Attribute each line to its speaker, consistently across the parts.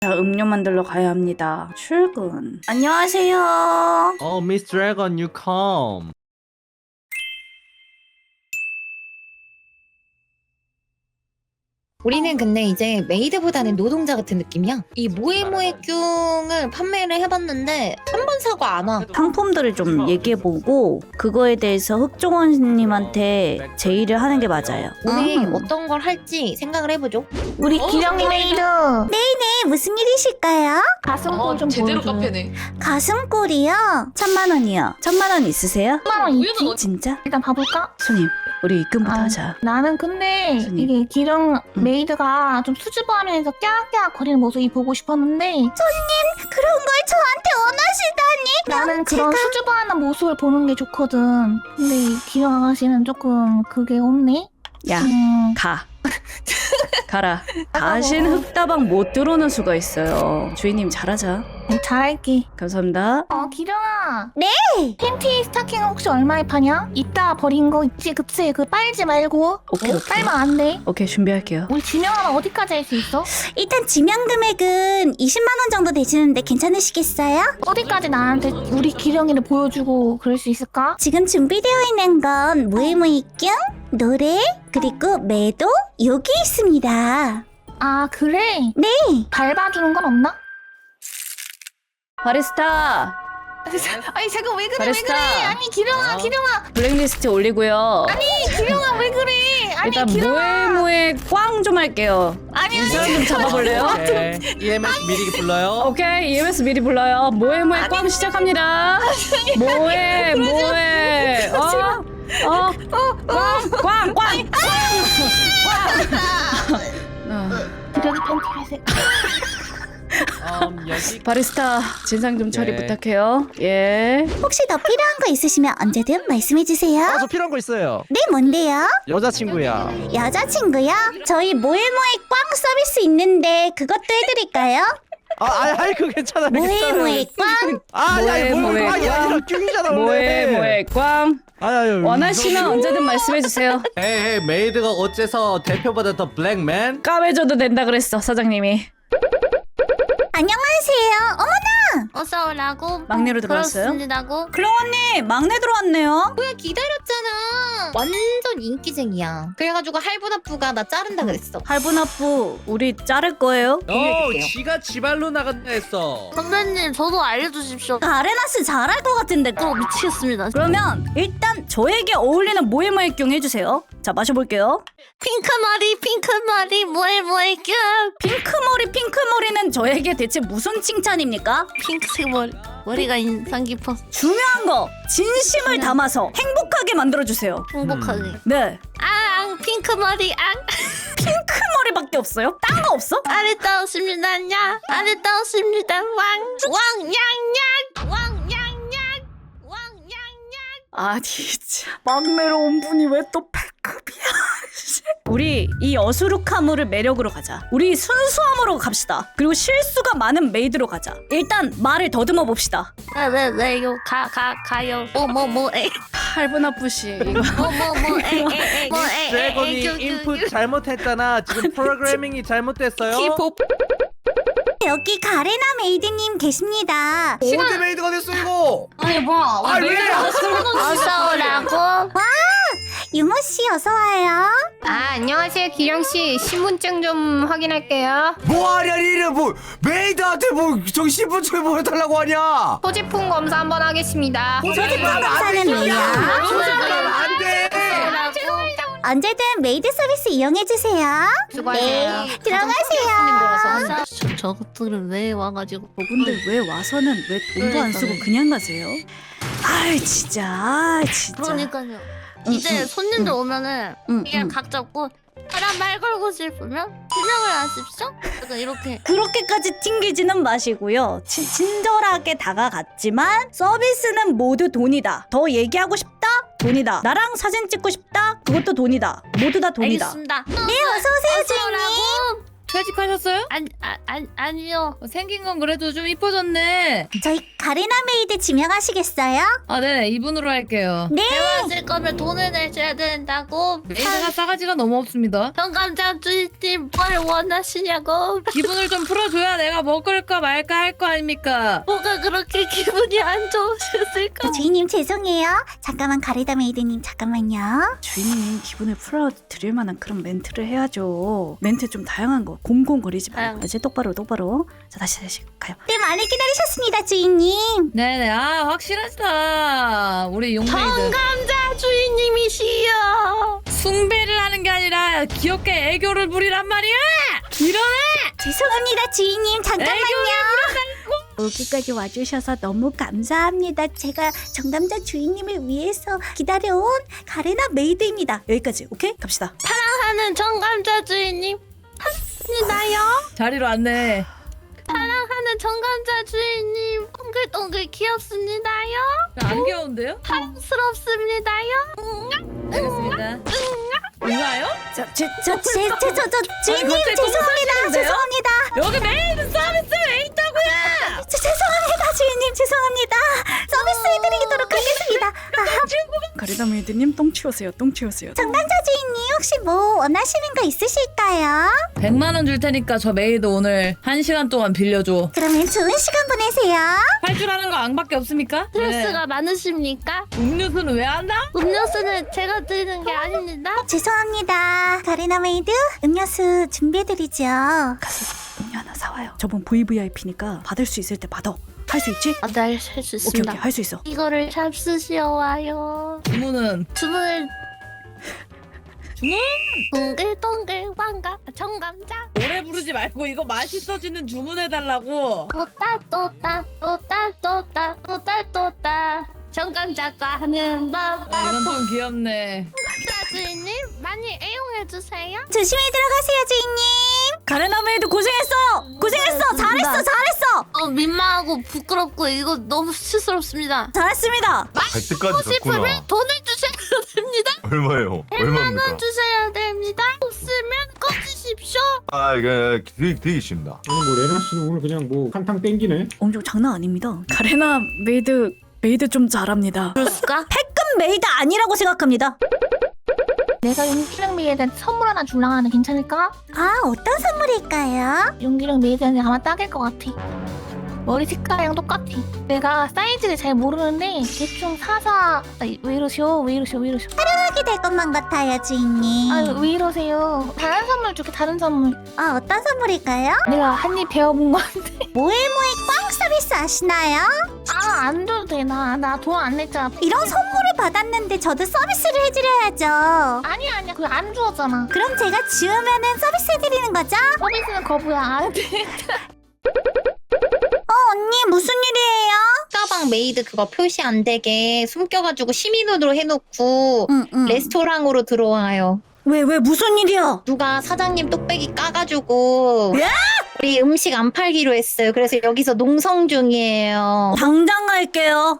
Speaker 1: 자, 음료 만들러 가야 합니다. 출근. 안녕하세요.
Speaker 2: Oh, Miss Dragon, you come.
Speaker 3: 우리는 근데 이제 메이드보다는 노동자 같은 느낌이야. 이 모에모에뀨을 판매를 해봤는데 한 번 사고 안 와.
Speaker 1: 상품들을 좀 얘기해보고 그거에 대해서 흑종원님한테 제의를 하는 게 맞아요.
Speaker 3: 우리 어떤 걸 할지 생각을 해보죠.
Speaker 4: 우리 기령이 메이드
Speaker 1: 네, 무슨 일이실까요?
Speaker 4: 가슴골 좀
Speaker 5: 제대로
Speaker 4: 보여줘.
Speaker 5: 카페네.
Speaker 1: 가슴골이요? 1000만원이요. 1000만원 있으세요?
Speaker 4: 1000만 원 있지?
Speaker 1: 진짜?
Speaker 4: 일단 봐볼까?
Speaker 1: 손님, 우리 입금부터
Speaker 4: 아,
Speaker 1: 하자.
Speaker 4: 나는 근데
Speaker 1: 무슨
Speaker 4: 이게 기령 메이드가 좀 수줍어하면서 깨악깨악 거리는 모습이 보고 싶었는데
Speaker 1: 그런 걸 저한테 원하시다니?
Speaker 4: 나는 그런 수줍어하는 모습을 보는 게 좋거든. 근데 이 기령 아가씨는 조금 그게 없네.
Speaker 1: 야, 가. 가라. 다신 흑다방 못 들어오는 수가 있어요. 주인님 잘하자.
Speaker 4: 잘할게.
Speaker 1: 감사합니다.
Speaker 4: 기령아. 네. 팬티 스타킹 혹시 얼마에 파냐? 이따 버린 거 있지, 그치? 그 빨지 말고.
Speaker 1: 오케이.
Speaker 4: 빨면 안 돼.
Speaker 1: 오케이, 준비할게요.
Speaker 4: 우리 지명하면 어디까지 할 수 있어?
Speaker 1: 일단 지명 금액은 20만원 정도 되시는데 괜찮으시겠어요?
Speaker 4: 어디까지 나한테 우리 기령이를 보여주고 그럴 수 있을까?
Speaker 1: 지금 준비되어 있는 건 무에무이뀨, 노래, 그리고 매도 여기 있습니다.
Speaker 4: 아, 그래?
Speaker 1: 네.
Speaker 4: 밟아주는 건 없나?
Speaker 1: 바리스타
Speaker 4: 아니 잠깐 왜 그래
Speaker 1: 바리스타.
Speaker 4: 왜 그래? 아니 기령아 기령아
Speaker 1: 블랙리스트 올리고요.
Speaker 4: 기령아 왜 그래? 아니
Speaker 1: 일단
Speaker 4: 기령아
Speaker 1: 무에무에 꽝 좀 할게요.
Speaker 4: 아니
Speaker 1: 이 사람 좀 잡아볼래요?
Speaker 2: 오케이. EMS 미리 불러요.
Speaker 1: 오케이, EMS 미리 불러요. 모에모에 꽝 시작합니다. 모에 꽝.
Speaker 4: 기령이 팬티 회색.
Speaker 2: 여기
Speaker 1: 바리스타 진상 좀 처리
Speaker 2: 네.
Speaker 1: 부탁해요. 예. 혹시 더 필요한 거 있으시면 언제든 말씀해 주세요.
Speaker 2: 저 필요한 거 있어요.
Speaker 1: 네, 뭔데요?
Speaker 2: 여자친구야.
Speaker 1: 여자친구요? 저희 모에모에 꽝 서비스 있는데 그것도 해드릴까요?
Speaker 2: 아이 그거 괜찮아.
Speaker 1: 모에모에 꽝?
Speaker 2: 아니
Speaker 1: 모에,
Speaker 2: 꽝이 아니라 꽝이잖아 원래.
Speaker 1: 모에모에 꽝?
Speaker 2: 아유.
Speaker 1: 원하시면 언제든 말씀해 주세요.
Speaker 2: 에이 메이드가 어째서 대표보다 더 블랙맨?
Speaker 1: 까매줘도 된다 그랬어, 사장님이. 안녕하세요. 어머나!
Speaker 6: 어서 오라고.
Speaker 1: 막내로 들어왔어요?
Speaker 6: 그렇습니다고.
Speaker 1: 클롱 언니, 막내 들어왔네요.
Speaker 3: 뭐야 기다렸잖아. 완전 인기쟁이야. 그래가지고 할부납부가 나 자른다 그랬어.
Speaker 1: 할부납부 우리 자를 거예요?
Speaker 2: 지가 지발로 나간다 했어.
Speaker 6: 선배님, 저도 알려주십시오.
Speaker 1: 아레나스 잘할 것 같은데.
Speaker 6: 미치겠습니다.
Speaker 1: 그러면 일단 저에게 어울리는 모에모에뀨 해주세요. 자, 마셔볼게요.
Speaker 6: 핑크머리, 뭐해, 뀨.
Speaker 1: 핑크머리는 저에게 대체 무슨 칭찬입니까?
Speaker 6: 핑크색 머리가 인상 깊어.
Speaker 1: 중요한 거 진심을 담아서 행복하게 만들어주세요.
Speaker 6: 행복하게.
Speaker 1: 네.
Speaker 6: 핑크머리,
Speaker 1: 핑크머리밖에 없어요? 딴 거 없어?
Speaker 6: 아리따웠습니다, 아리따웠습니다,
Speaker 1: 아니 진짜 막내로 온 분이 왜 또 패급이야. 우리 이 어수룩함을 매력으로 가자. 우리 순수함으로 갑시다. 그리고 실수가 많은 메이드로 가자. 일단 말을 더듬어 봅시다.
Speaker 6: 왜요, 가요. 에.
Speaker 1: 할부나쁘시 이거.
Speaker 2: 드래곤이 인풋 잘못했잖아. 지금 프로그래밍이 잘못됐어요.
Speaker 1: 여기 가레나 메이드님 계십니다.
Speaker 2: 어디 메이드가 됐어 이거?
Speaker 5: 아니 뭐야?
Speaker 2: 아 왜?
Speaker 6: 어서 오라고.
Speaker 1: 유모씨 어서와요.
Speaker 7: 안녕하세요, 기령씨. 신분증 좀 확인할게요.
Speaker 8: 뭐하냐 니는 뭐 메이드한테 뭐 정신분증 보여달라고 하냐.
Speaker 7: 소지품 검사 한번 하겠습니다.
Speaker 1: 소지품 검사는 뭐야?
Speaker 8: 소지품 안돼.
Speaker 1: 언제든 메이드 서비스 이용해주세요.
Speaker 7: 수고하세요.
Speaker 1: 네, 들어가세요.
Speaker 6: 저것들은 왜 와가지고.
Speaker 1: 근데 왜 와서는 왜 돈도 안 쓰고 그냥 가세요? 아이 진짜.
Speaker 6: 그러니까요. 이제 손님들 오면은
Speaker 1: 응,
Speaker 6: 그냥
Speaker 1: 응.
Speaker 6: 각 잡고 사람 말 걸고 싶으면 신경을 안 쓰십시오? 약간 이렇게.
Speaker 1: 그렇게까지 튕기지는 마시고요. 친절하게 다가갔지만 서비스는 모두 돈이다. 더 얘기하고 싶다? 돈이다. 나랑 사진 찍고 싶다? 그것도 돈이다. 모두 다 돈이다.
Speaker 6: 알겠습니다.
Speaker 1: 네, 어서오세요, 주인님.
Speaker 5: 퇴직하셨어요?
Speaker 6: 아니요.
Speaker 5: 생긴 건 그래도 좀 이뻐졌네.
Speaker 1: 저희
Speaker 4: 가레나 메이드 지명하시겠어요?
Speaker 5: 아, 네, 이분으로 할게요.
Speaker 6: 대화하실 거면 돈을 내셔야 된다고.
Speaker 5: 메이드가 싸가지가 너무 없습니다.
Speaker 6: 정감자 주인님 뭘 원하시냐고.
Speaker 5: 기분을 좀 풀어줘야 내가 먹을까 말까 할 거 아닙니까?
Speaker 6: 뭐가 그렇게 기분이 안 좋으셨을까?
Speaker 4: 주인님 죄송해요. 잠깐만 가레나 메이드님 잠깐만요.
Speaker 1: 주인님 기분을 풀어드릴 만한 그런 멘트를 해야죠. 멘트 좀 다양한 거. 곰곰거리지 말고. 이제 똑바로. 자, 다시 가요.
Speaker 4: 네 많이 기다리셨습니다 주인님.
Speaker 5: 네네, 아, 확실하시다. 우리 용메이드.
Speaker 6: 정감자 주인님이시여.
Speaker 5: 숭배를 하는 게 아니라 귀엽게 애교를 부리란 말이야! 이러네!
Speaker 4: 죄송합니다 주인님 잠깐만요. 여기까지 와주셔서 너무 감사합니다. 제가 정감자 주인님을 위해서 기다려온 가레나 메이드입니다.
Speaker 1: 여기까지. 오케이? 갑시다.
Speaker 6: 사랑하는 정감자 주인님. 합니다요.
Speaker 5: 자리로 왔네.
Speaker 6: 사랑하는 정감자 주인님. 동글동글 귀엽습니다요.
Speaker 5: 안 귀여운데요?
Speaker 6: 사랑스럽습니다요.
Speaker 5: 알겠습니다. 뭔가요?
Speaker 4: 주인님
Speaker 5: 갑자기
Speaker 4: 죄송합니다.
Speaker 5: 여기 메이드 서비스 왜 있다고요?
Speaker 4: 죄송합니다 주인님 죄송합니다. 서비스 해드리도록 하겠습니다.
Speaker 1: 가리다 메이드님 똥 치우세요.
Speaker 4: 정감자 주인님 혹시 뭐 원하시는 거 있으실까요?
Speaker 5: 100만 원 줄 테니까 저 메이드 오늘 1시간 동안 빌려줘.
Speaker 4: 그러면 좋은 시간 보내세요.
Speaker 5: 할 줄 아는 거 앙밖에 없습니까?
Speaker 6: 스트레스가 많으십니까?
Speaker 5: 음료수는 왜 한다?
Speaker 6: 음료수는 제가 드리는 게 아닙니다.
Speaker 4: 죄송합니다. 가레나 메이드 음료수 준비해드리죠.
Speaker 1: 음료 하나 사와요. 저분 VVIP니까 받을 수 있을 때 받아. 할 수 있지?
Speaker 6: 아, 네, 할 수 있습니다.
Speaker 1: 오케이. 할 수 있어.
Speaker 6: 이거를 잡수시어와요.
Speaker 5: 주문은
Speaker 6: 주문을
Speaker 5: 주문!
Speaker 6: 동글동글 왕가 정감자
Speaker 5: 오래 부르지 말고 이거 맛있어지는 주문해달라고.
Speaker 6: 또따 정감자가 하는 법.
Speaker 5: 이건 좀 귀엽네.
Speaker 6: 주인님 많이 애용해주세요.
Speaker 4: 조심히 들어가세요 주인님.
Speaker 1: 가레나 메이드 고생했어. 잘했어.
Speaker 6: 민망하고 부끄럽고 이거 너무 수스럽습니다.
Speaker 1: 잘했습니다.
Speaker 8: 갈 때까지
Speaker 6: 싶으면
Speaker 8: 갔구나.
Speaker 6: 돈을 주셔야 됩니다.
Speaker 8: 얼마예요? 얼마입니까?
Speaker 6: 주셔야 됩니다. 없으면 꺼주십시오.
Speaker 8: 아, 이게 되게 쉽다.
Speaker 9: 오늘 뭐 레나 씨는 오늘 그냥 뭐 한탕 땡기네.
Speaker 1: 엄청 장난 아닙니다. 가레나 메이드 좀 잘합니다.
Speaker 6: 그럴까?
Speaker 1: 패급 메이드 아니라고 생각합니다.
Speaker 4: 내가 용기령 메이드한테 선물 하나 줄라 하는 괜찮을까? 아 어떤 선물일까요? 용기령 메이드한테 아마 딱일 것 같아. 머리 색깔이랑 똑같아. 내가 사이즈를 잘 모르는데 대충 사사. 왜 이러셔? 사랑하게 될 것만 같아요 주인님. 아유 왜 이러세요? 다른 선물 줄게 다른 선물. 아 어떤 선물일까요? 내가 한 입 배워본 건데. 모에모에 꽝 서비스 아시나요? 아 안 줘도 돼. 나 돈 안 냈잖아. 이런 선물을 받았는데 저도 서비스를 해드려야죠. 아니야 그거 안 주었잖아. 그럼 제가 지우면은 서비스 해드리는 거죠? 서비스는 거부야 안 돼. 언니 무슨 일이에요?
Speaker 3: 가방 메이드 그거 표시 안 되게 숨겨가지고 시민으로 해놓고 레스토랑으로 들어와요.
Speaker 1: 왜 무슨 일이야?
Speaker 3: 누가 사장님 똑배기 까가지고
Speaker 1: 야!
Speaker 3: 우리 음식 안 팔기로 했어요. 그래서 여기서 농성 중이에요.
Speaker 1: 당장 갈게요.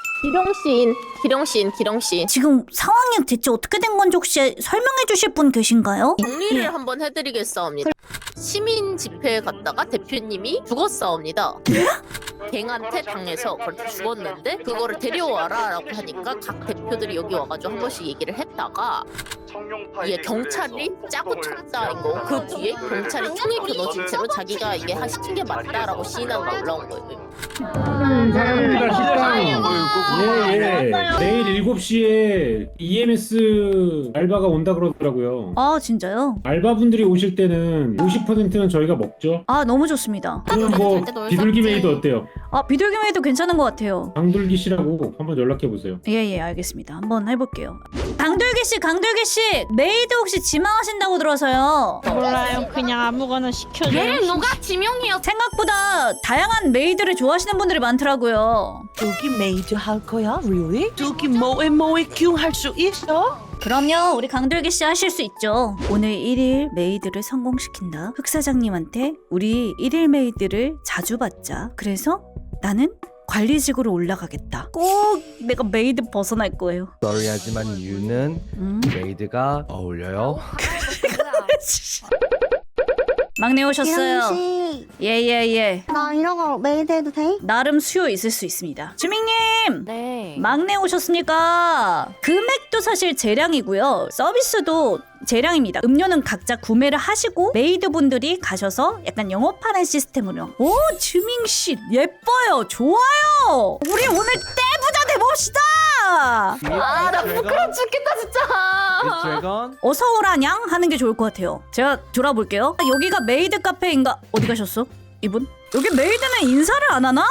Speaker 10: 기령씨.
Speaker 1: 지금 상황이 대체 어떻게 된 건지 혹시 설명해 주실 분 계신가요?
Speaker 10: 정리를 한번 해드리겠사옵니다. 시민 집회에 갔다가 대표님이 죽었사옵니다. 갱한테 당해서 그렇게 죽었는데 그거를 데려와라 라고 하니까 각 대표들이 여기 와가지고 한 번씩 얘기를 했다가 이게 경찰이 짜고 쳤다인 거, 그 뒤에 경찰이 총에 겨눠진 채로 자기가 이게 시킨 게 맞다라고 시인한 거 올라온 거예요.
Speaker 9: 사랑입니다 식당. 예. 내일 7시에 EMS 알바가 온다 그러더라고요.
Speaker 1: 아 진짜요?
Speaker 9: 알바분들이 오실 때는 50%는 저희가 먹죠.
Speaker 1: 아 너무 좋습니다.
Speaker 9: 그럼 뭐 비둘기 메이드 어때요?
Speaker 1: 아 비둘기 메이드 괜찮은 것 같아요.
Speaker 9: 강둘기 씨라고 한번 연락해 보세요.
Speaker 1: 예 알겠습니다. 한번 해볼게요. 강돌기 씨 메이드 혹시 지망하신다고 들어서요.
Speaker 7: 몰라요. 그냥 아무거나 시켜줘요.
Speaker 6: 얘를 누가 지명해요?
Speaker 1: 생각보다 다양한 메이드를 좋아하시는 분들이 많더라고요.
Speaker 11: 여기 메이드 할 거야? Really? 저기 뭐에 큐 할 수 있어?
Speaker 1: 그럼요. 우리 강돌기 씨 하실 수 있죠. 오늘 1일 메이드를 성공시킨다. 흑사장님한테 우리 1일 메이드를 자주 받자. 그래서 나는 관리직으로 올라가겠다. 꼭 내가 메이드 벗어날 거예요.
Speaker 2: sorry 하지만 이유는 메이드가 어울려요.
Speaker 1: 막내 오셨어요.
Speaker 6: 씨,
Speaker 1: 예예예.
Speaker 6: 나 이런 거 메이드 해도 돼?
Speaker 1: 나름 수요 있을 수 있습니다. 주민님.
Speaker 10: 네.
Speaker 1: 막내 오셨습니까? 금액도 사실 재량이고요. 서비스도 재량입니다. 음료는 각자 구매를 하시고 메이드분들이 가셔서 약간 영업하는 시스템으로. 오, 주민씨 예뻐요. 좋아요. 우리 오늘 떼부자 돼봅시다.
Speaker 10: 나 부끄러워 죽겠다 진짜.
Speaker 2: 드래곤
Speaker 1: 어서 오라냥 하는 게 좋을 것 같아요. 제가 돌아볼게요. 여기가 메이드 카페인가? 어디 가셨어? 이분? 여기 메이드는 인사를 안 하나?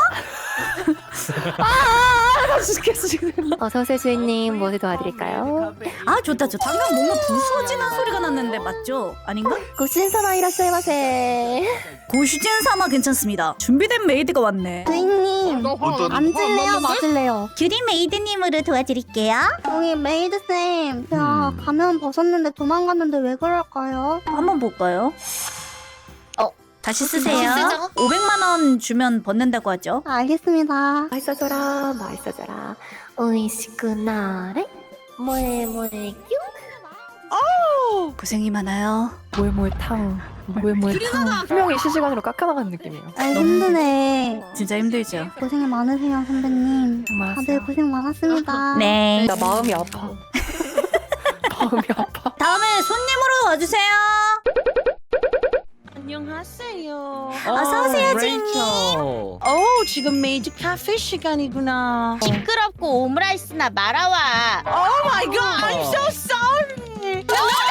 Speaker 5: 나 죽겠어 지금.
Speaker 6: 어서오세요 주인님. 뭐 도와드릴까요?
Speaker 1: 아 좋다 좋다. 방금 뭔가 부서지는 소리가 났는데 맞죠? 아닌가?
Speaker 6: 고신선아 이라시마세.
Speaker 1: 고슈진 사마 괜찮습니다. 준비된 메이드가 왔네.
Speaker 6: 주인님 앉을래요 맞을래요?
Speaker 1: 규리 메이드님으로 도와드릴게요.
Speaker 6: 여기 메이드쌤 제가 가면 벗었는데 도망갔는데 왜 그럴까요?
Speaker 1: 한번 볼까요? 다시 쓰세요.
Speaker 3: 다시 쓰자고?
Speaker 1: 500만 원 주면 벗는다고 하죠.
Speaker 6: 알겠습니다. 맛있어져라 맛있어져라 오이시쿠나레 뭐에
Speaker 1: 고생이 많아요.
Speaker 5: 분명히 실시간으로 깎아나가는 느낌이에요.
Speaker 6: 아 힘드네.
Speaker 1: 진짜 힘들죠.
Speaker 6: 고생이 많으세요 선배님. 다들 고생 많았습니다.
Speaker 1: 네.
Speaker 5: 나 마음이 아파. 마음이 아파.
Speaker 1: 다음에 손님으로 와주세요.
Speaker 11: 안녕하세요.
Speaker 1: 어서 오세요,
Speaker 2: 레이첼.
Speaker 11: 지금 메이드 카페 시간이구나.
Speaker 3: 시끄럽고 오므라이스나 말아와.
Speaker 11: Oh my god, I'm so sorry.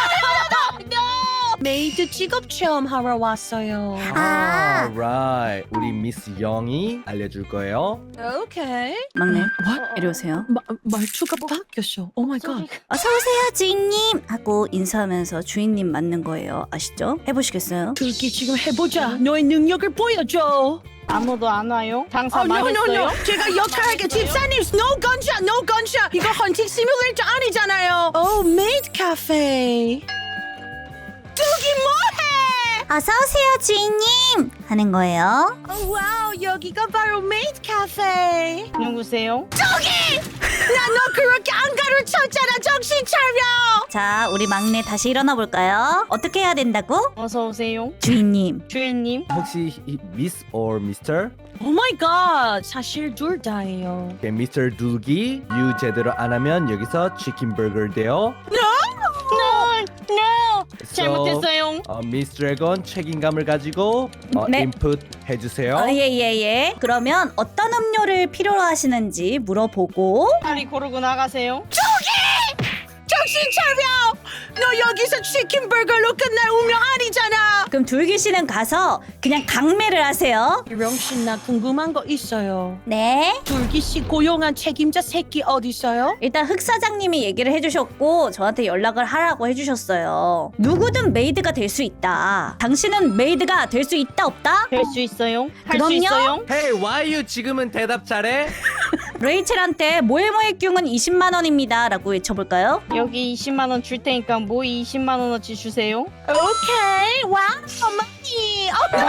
Speaker 11: 메이드 직업 체험 하러 왔어요.
Speaker 2: right. 우리 미스 영이 알려줄 거예요.
Speaker 11: 오케이.
Speaker 1: 막내,
Speaker 11: What?
Speaker 1: 이리 오세요.
Speaker 11: 말투가 바뀌었어. Oh my god.
Speaker 1: 어서 오세요, 주인님 하고 인사하면서 주인님 맞는 거예요. 아시죠? 해보시겠어요?
Speaker 11: 그렇게 지금 해보자. 너의 능력을 보여줘.
Speaker 7: 아무도 안 와요? 장사
Speaker 11: no, no,
Speaker 7: 망했어요?
Speaker 11: no. 제가 역할할게. 집사님, no gunshot, no gunshot. 이거 헌팅 시뮬레이터 아니잖아요. 메이드 카페. 뚜기 뭐해?
Speaker 1: 어서 오세요, 주인님 하는 거예요.
Speaker 11: 와우, 여기가 바로 메이드 카페.
Speaker 7: 누구세요?
Speaker 11: 나 너 그렇게 안 가르쳤잖아. 정신 차려.
Speaker 1: 자, 우리 막내 다시 일어나 볼까요? 어떻게 해야 된다고?
Speaker 7: 어서 오세요.
Speaker 1: 주인님.
Speaker 7: 주인님.
Speaker 2: 혹시 미스 or 미스터?
Speaker 11: 오 마이 갓. 사실 둘 다예요.
Speaker 2: 오케이, 미스터 둘기 유 제대로 안 하면 여기서 치킨 버거 돼요.
Speaker 7: 잘못했어요.
Speaker 2: 미스 드래곤 책임감을 가지고
Speaker 1: 네.
Speaker 2: 인풋 해주세요.
Speaker 1: 예예예. 그러면 어떤 음료를 필요로 하시는지 물어보고
Speaker 7: 빨리 고르고 나가세요.
Speaker 11: 정신 차려. 너 여기서 치킨 버거로 끝날 운명 아니잖아.
Speaker 1: 그럼 둘기 씨는 가서 그냥 강매를 하세요.
Speaker 11: 명신 나 궁금한 거 있어요.
Speaker 1: 네.
Speaker 11: 둘기 씨 고용한 책임자 새끼 어디 있어요?
Speaker 1: 일단 흑 사장님이 얘기를 해주셨고 저한테 연락을 하라고 해주셨어요. 누구든 메이드가 될 수 있다. 당신은 메이드가 될 수 있다 없다?
Speaker 7: 될 수 있어요? 할
Speaker 1: 그럼요.
Speaker 7: 수 있어요?
Speaker 2: Hey, why you 지금은 대답 잘해?
Speaker 1: 레이첼한테 모에모의 뀨은 20만 원입니다 라고 외쳐볼까요?
Speaker 7: 여기 20만 원 줄 테니까 모이 20만 원어치 주세요.
Speaker 11: 오케이. 와, 어머니.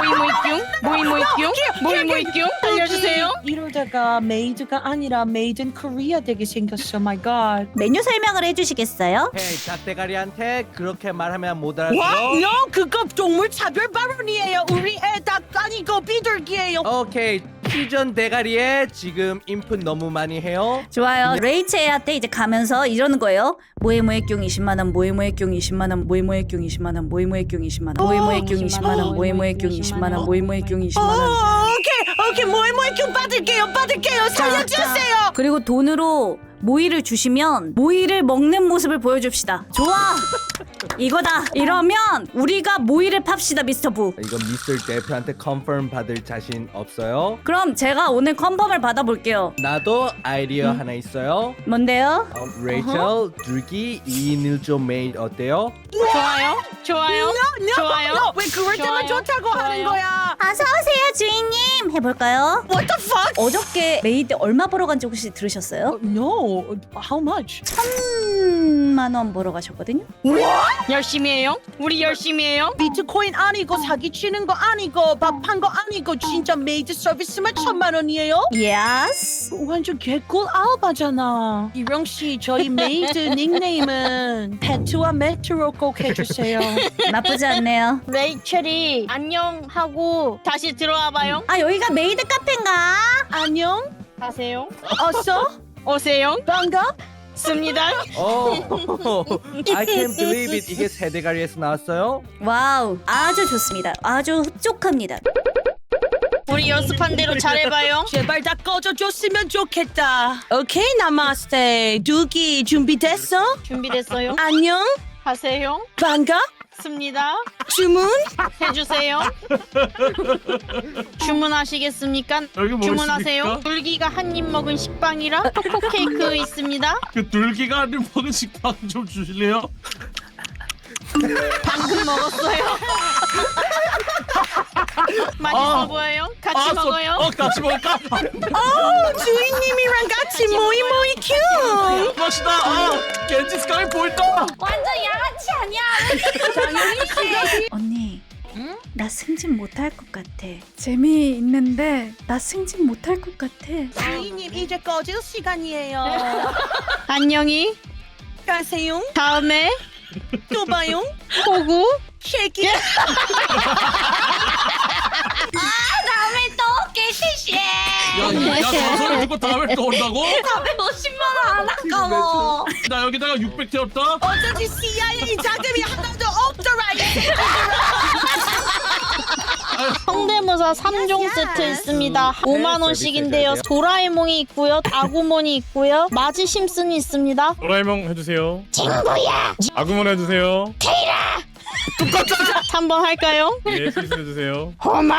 Speaker 7: 모이 뀨 알려주세요.
Speaker 11: 이러다가 메이드가 아니라 메이드 인 코리아 되게 생겼어. 마이 갓.
Speaker 1: 메뉴 설명을 해주시겠어요?
Speaker 2: Hey, 잣대가리한테 그렇게 말하면 못 알아들어.
Speaker 11: 와, no, 그거 동물 차별 발언이에요. 우리 애 닭 아니고 비둘기예요.
Speaker 2: 오케이, 피전 대가리에 지금 인풋 너무 많이 해요.
Speaker 1: 좋아요. 레이첼한테 이제 가면서 이러는 거예요. 모에모의 뀨 20만 원, 모에모의 뀨 20만 원, 모에모의 뀨 20만 원, 모에모의 뀨 20만 원, 모에모의 뀨 20만 원, 모에모의 뀨 20만 원, 모에모의 뀨 20만 원.
Speaker 11: 오케이, 뭐에 큐 받을게요. 살려주세요.
Speaker 1: 그리고 돈으로 모이를 주시면 모이를 먹는 모습을 보여줍시다. 좋아. 이거다. 이러면 우리가 모이를 팝시다, 미스터 부.
Speaker 2: 이거 미스터 대표한테 컨펌 받을 자신 없어요?
Speaker 1: 그럼 제가 오늘 컨펌을 받아볼게요.
Speaker 2: 나도 아이디어 하나 있어요.
Speaker 1: 뭔데요?
Speaker 2: 레이첼, 둘기 2인 1조 메이드 어때요?
Speaker 7: 좋아요. 좋아요.
Speaker 11: 왜 그럴 때만
Speaker 7: 좋아요.
Speaker 11: 좋다고 하는 거야?
Speaker 1: 어서 오세요, 주인님. 해볼까요?
Speaker 11: What the fuck?
Speaker 1: 어저께 메이드 얼마 벌어간지 혹시 들으셨어요?
Speaker 11: No, how much?
Speaker 1: 3천만 원 벌어 가셨거든요.
Speaker 7: 열심히 해요? 우리 열심히 해요?
Speaker 11: 비트코인 아니고 사기치는 거 아니고 밥한 거 아니고 진짜 메이드 서비스만 1,000만 원이에요?
Speaker 1: 예스.
Speaker 11: 완전 개꿀 알바잖아. 이령 씨, 저희 메이드 닉네임은 페트와 메트로 꼭 해주세요.
Speaker 1: 나쁘지 않네요.
Speaker 7: 레이첼이 안녕하고 다시 들어와봐요.
Speaker 1: 아 여기가 메이드 카페인가?
Speaker 11: 안녕.
Speaker 7: 가세요.
Speaker 11: 어서.
Speaker 7: 오세요.
Speaker 11: 반갑습니다.
Speaker 2: I can't believe it. 이게 세대가리에서 나왔어요?
Speaker 1: 와우, 아주 좋습니다. 아주 흡족합니다.
Speaker 7: 우리 연습한 대로 잘해봐요.
Speaker 11: 제발 다 꺼져줬으면 좋겠다. 오케이, 나마스테. 두기 준비됐어?
Speaker 7: 준비됐어요?
Speaker 11: 안녕.
Speaker 7: 하세요.
Speaker 11: 반갑습니다.
Speaker 7: 주문
Speaker 11: 주문.
Speaker 7: 해주세요. 주문하시겠습니까? 주문하세요. 둘기가 한 입 먹은 식빵이라 초코 케이크 있습니다.
Speaker 8: 그 둘기가 한 입 먹은 식빵 좀 주실래요?
Speaker 7: 방금 먹었어요. 맛있어 보여요? 같이 먹어요.
Speaker 8: 같이 먹을까?
Speaker 11: 주인님이랑 같이 모이모이 큐.
Speaker 8: 맛있다. 겐지 스카이 보인다.
Speaker 6: 완전 양아치 아니야?
Speaker 1: 언니, 응? 나 승진 못할 것 같아. 재미있는데 나 승진 못할 것 같아.
Speaker 11: 주인님 이제 꺼질 시간이에요.
Speaker 7: 안녕히
Speaker 11: 가세요.
Speaker 7: 다음에
Speaker 11: 또 봐요.
Speaker 7: 보고
Speaker 11: 쉐키.
Speaker 6: 다음에 또 올게 시시.
Speaker 8: 야, 소리 듣고 다음에 또 온다고?
Speaker 6: 450만 원 안 아까워.
Speaker 8: 나 여기다가 600 태웠다.
Speaker 11: 어쩐지 CIA 자금이 하나도 없더라.
Speaker 7: 성대모사 3종 세트 있습니다. 5만 원씩인데요. 도라에몽이 있고요. 아구몬이 있고요. 마지 심슨이 있습니다.
Speaker 9: 도라에몽 해주세요. 친구야. 아구몬 해주세요.
Speaker 7: 3번 할까요?
Speaker 9: 예, 필수 해주세요.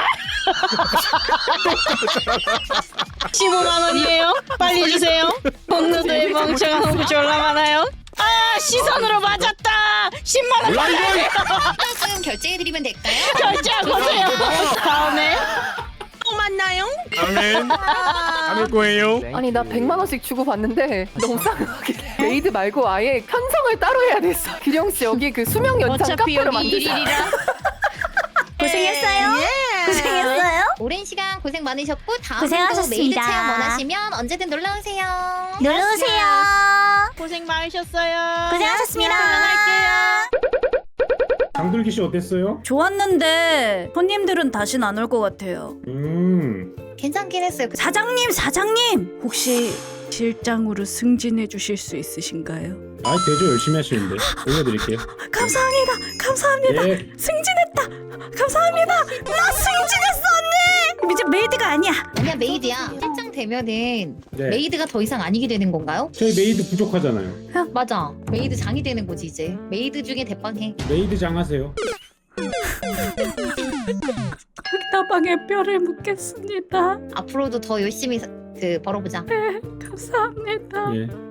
Speaker 7: 15만 원이에요. 빨리 주세요. 본누드의 멍청한 호구 졸라 많아요. 아, 시선으로 맞았다. 10만 원 빨리
Speaker 3: 지금 결제해드리면 될까요?
Speaker 7: 결제하고세요. 다음에
Speaker 11: 또 만나요.
Speaker 9: 아멘. 안올 거예요.
Speaker 5: 아니 나 100만 원씩 주고 받는데 너무 싸게 메이드 말고 아예 편성을 따로 해야 됐어. 기령 씨 여기 그 수명 연장
Speaker 7: 어차피
Speaker 5: 카페로
Speaker 7: 여기
Speaker 5: 만들자.
Speaker 7: 일일이라.
Speaker 1: 고생했어요. 고생했어요.
Speaker 3: 오랜 시간 고생 많으셨고 다음에도
Speaker 1: 고생하셨습니다.
Speaker 3: 메이드 체험 원하시면 언제든 놀러오세요.
Speaker 1: 놀러오세요.
Speaker 7: 고생 많으셨어요.
Speaker 1: 고생하셨습니다.
Speaker 7: 할게요.
Speaker 9: 장돌기 씨 어땠어요?
Speaker 1: 좋았는데 손님들은 다신 안 올 것 같아요.
Speaker 3: 괜찮긴 했어요.
Speaker 1: 사장님 혹시 실장으로 승진해 주실 수 있으신가요?
Speaker 9: 아, 되죠. 열심히 하시는데. 올려드릴게요.
Speaker 1: 감사합니다.
Speaker 9: 예.
Speaker 1: 승진했다. 감사합니다. 나 승진했어 언니. 이제 메이드가 아니야.
Speaker 3: 아니야, 메이드야. 실장 되면은
Speaker 9: 네.
Speaker 3: 메이드가 더 이상 아니게 되는 건가요?
Speaker 9: 저희 메이드 부족하잖아요.
Speaker 3: 맞아. 메이드 장이 되는 거지 이제. 메이드 중에 대빵해.
Speaker 9: 메이드 장 하세요.
Speaker 1: 흑다방에 뼈를 묻겠습니다.
Speaker 3: 앞으로도 더 열심히 벌어보자.
Speaker 1: 감사합니다.
Speaker 9: 예.